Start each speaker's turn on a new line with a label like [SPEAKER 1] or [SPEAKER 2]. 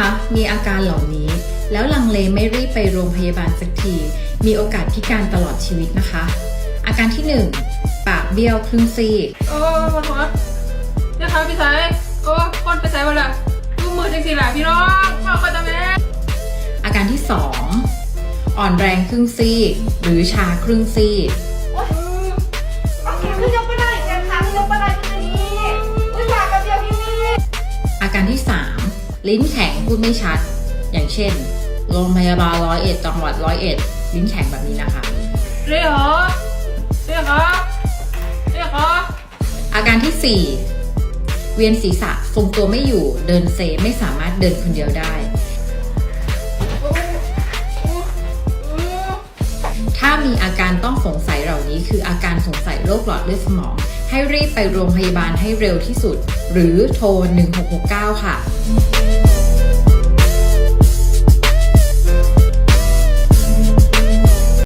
[SPEAKER 1] คะมีอาการเหล่านี้แล้วลังเลไม่รีบไปโรงพยาบาลสักทีมีโอกาสพิการตลอดชีวิตนะคะอาการที่ 1 ปากเบี้ยวครึ่งซีก
[SPEAKER 2] ปวดหัวนะคะพี่สายคนไปใส่ไปละดูมือจริงๆแหละพี่น้องพ่อก็จะแม่
[SPEAKER 1] อาการที่ 2 อ่อนแรงครึ่งซีกหรือชาครึ่งซีกอาการที่ 3 ลิ้นแข็งพูดไม่ชัดอย่างเช่นโรงพยาบาล101จังหวัด101ลิ้นแข็งแบบนี้นะคะ
[SPEAKER 2] เรียกเหรอ
[SPEAKER 1] อาการที่ 4 เวียนศีรษะทรงตัวไม่อยู่เดินเซไม่สามารถเดินคนเดียวได้ถ้ามีอาการต้องสงสัยเหล่านี้คืออาการสงสัยโรคหลอดเลือดสมองให้รีบไปโรงพยาบาลให้เร็วที่สุดหรือโทร1669ค่ะ